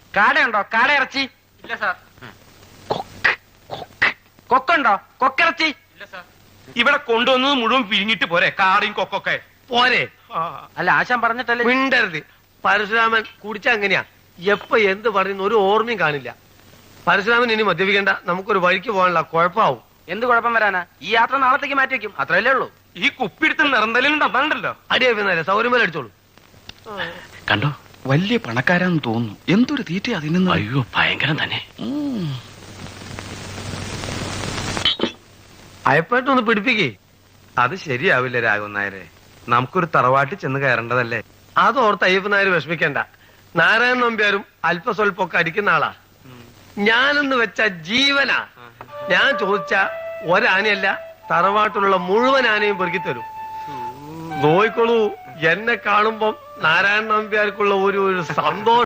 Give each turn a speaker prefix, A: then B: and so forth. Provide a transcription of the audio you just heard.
A: കാടയുണ്ടോ? കാട ഇറച്ചി?
B: ഇല്ല സാർ.
A: കൊക്കുണ്ടോ? കൊക്കിറച്ചി?
B: ഇല്ല സാർ.
C: ഇവിടെ കൊണ്ടുവന്നത് മുഴുവൻ പിരിഞ്ഞിട്ട് പോരെ? കാറിയും കൊക്കൊക്കെ
D: പോരെ?
A: അല്ല, ആശാൻ പറഞ്ഞിട്ടല്ലേ.
D: മിണ്ടരുത്. പരശുരാമൻ കുടിച്ച അങ്ങനെയാ, എപ്പ എന്ത് പറയുന്ന ഒരു ഓർമ്മയും കാണില്ല. പരശുരാമൻ ഇനി മദ്യപിക്കേണ്ട, നമുക്കൊരു വഴിക്ക് പോകാനുള്ള കുഴപ്പമാവും.
A: എന്ത് കുഴപ്പം വരാനാ? ഈ യാത്ര നാളത്തേക്ക് മാറ്റി വെക്കും, അത്രയല്ലേ ഉള്ളൂ.
C: ഈ കുപ്പിടുത്ത് നിറന്തലുണ്ടോ? അതാണ്ടല്ലോ.
D: അടിയാ സൗകര്യം അടിച്ചോളൂ.
E: കണ്ടോ, വലിയ പണക്കാരാന്ന് തോന്നുന്നു. എന്തൊരു തീറ്റ അതിന്.
B: അയ്യോ, ഭയങ്കരം തന്നെ.
D: അയപ്പായിട്ടൊന്ന് പിടിപ്പിക്കേ.
F: അത് ശരിയാവില്ല രാഘവൻ നായരെ. നമുക്കൊരു തറവാട്ടിൽ ചെന്ന് കയറേണ്ടതല്ലേ?
D: അതോർത്ത് അയ്യപ്പൻ നായർ വിഷമിക്കണ്ട. നാരായണൻ നമ്പ്യാരും അല്പസ്വല്പൊക്കെ അടിക്കുന്ന ആളാ. ഞാനെന്ന് വെച്ച ജീവനാ. ഞാൻ ചോദിച്ച ഒരാനയല്ല, തറവാട്ടിലുള്ള മുഴുവൻ ആനയും പെറുക്കി തരും. നോയിക്കോളൂ, എന്നെ കാണുമ്പം നാരായണൻ നമ്പ്യാർക്കുള്ള ഒരു സന്തോഷം.